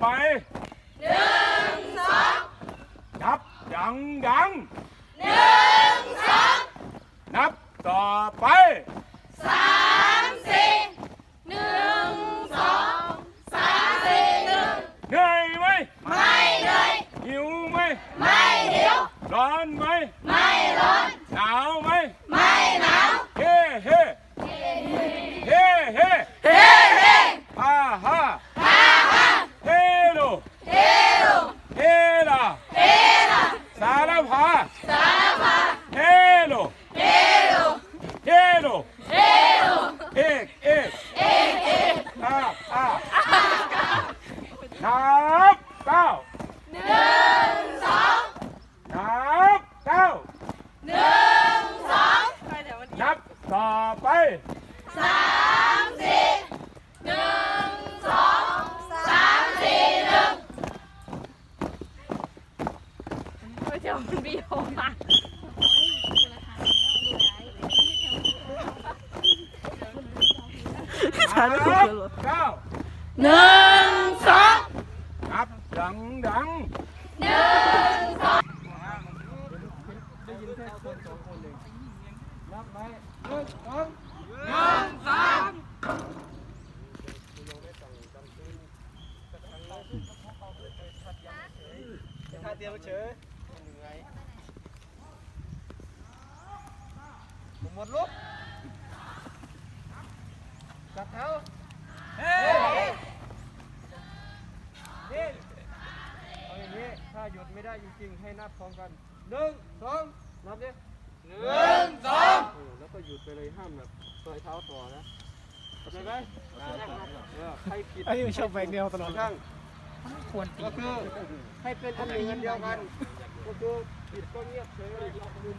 ไปนับดังดังนับต่อไปเหนื่อยไหมไม่เหนื่อยหิวไหมไม่หิวร้อนไหมไม่ร้อนหนาวไหมไม่หนาวเฮ้เฮ้เฮ้เฮ้เฮ้เฮ้ฮ่าฮ่าฮ่าฮ่าเฮโลเฮโลเฮลาเฮลาสารพาสารพาเฮโลเฮโลเฮโลเฮโลเอกเอกเอกเอกอ่าอ่านับเก้านับเก้านับต่อไปเดี๋ยวมันบีบมานับเก้านับดังดังได้ยินแค่คนสองคนเองนับไหมท่าเดียวเฉยเหนื่อยหมดลุกจับเท้าเฮ้เอาอย่างนี้ถ้าหยุดไม่ได้จริงๆให้นับพร้อมกัน1 2นับดิ1 2แล้วก็หยุดไปเลยห้ามแบบปล่อยเท้าต่อนะเข้าใจไหมใครผิดไอ้ชอบแบกเดียวตลอดช่างควรก็คือให้เป็นอันหนึ่งอันเดียวกันก็คือผิดก็เงียบเฉยเลย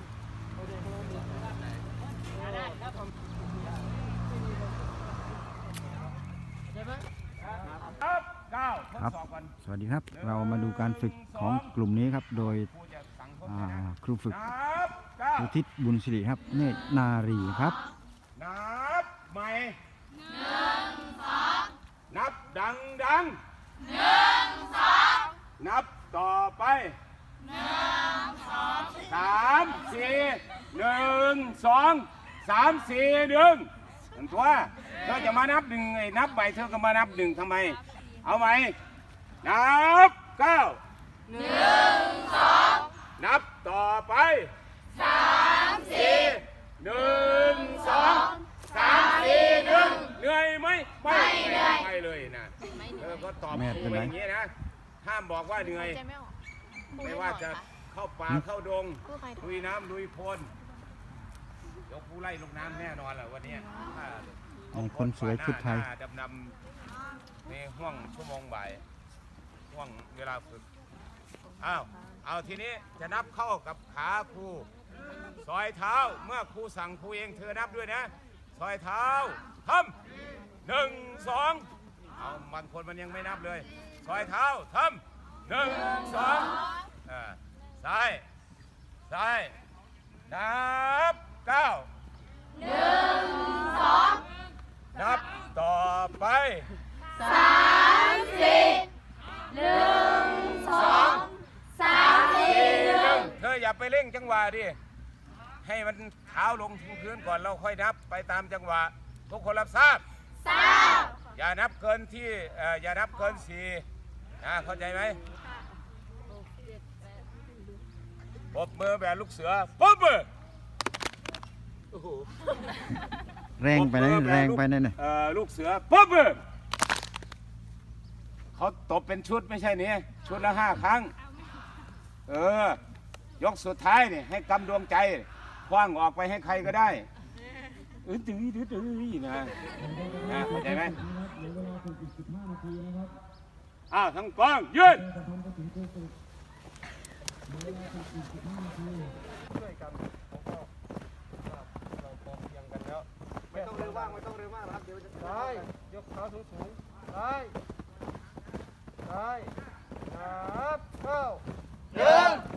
ครับสวัสดีครับเรามาดูการฝึกของกลุ่มนี้ครับโดยครูฝึกอุทิศบุญสิริครับเนตรนารีครับนับใหม่นับดังดังนับต่อไป3 4 1 2 3 4 1มันตัวเธอจะมานับหนึ่งไอ้นับใบเธอก็มานับหนึ่งทำไมเอาไหมนับ9นับต่อไป3 4 1 2 3 4 1เหนื่อยไหมไม่เหนื่อยไม่เลยนะเธอก็ตอบครูไปอย่างนี้นะห้ามบอกว่าเหนื่อยไม่ว่าจะเข้าป่าเข้าดงลุยน้ำลุยโคลนยกผู้ไล่ลงน้ำแน่นอนแหละวันนี้คนสวยชุดไทยดำนำในห่วงชั่วโมงบ่ายห่วงเวลาฝึกเอาทีนี้จะนับเข้ากับขาครูซอยเท้าเมื่อครูสั่งครูเองเธอนับด้วยนะซอยเท้าทำ1 2เอาบางคนมันยังไม่นับเลยซอยเท้าทำ1 2ซ้ายนับ9นับต่อไป3 4 1 2 3 4 1เธออย่าไปเร่งจังหวะดิให้มันเท้าลงถึงพื้นก่อนเราค่อยนับไปตามจังหวะทุกคนรับทราบอย่านับเกินที่อย่านับเกิน4เข้าใจไหมปรบมือแบบลูกเสือปรบมือแรงไปไหนแรงไปไหนเนี่ยลูกเสือปรบมือเขาตบเป็นชุดไม่ใช่เนี่ยชุดละ5 ครั้งยกสุดท้ายเนี่ยให้กำดวงใจคว้างออกไปให้ใครก็ได้ตื้อนะเข้าใจไหมทั้งกองยืนช่วยกันเราพอเพียงกันแล้วไม่ต้องเร็วมากนะครับเดี๋ยวจะได้ยกเท้าสูงได้นับ9 1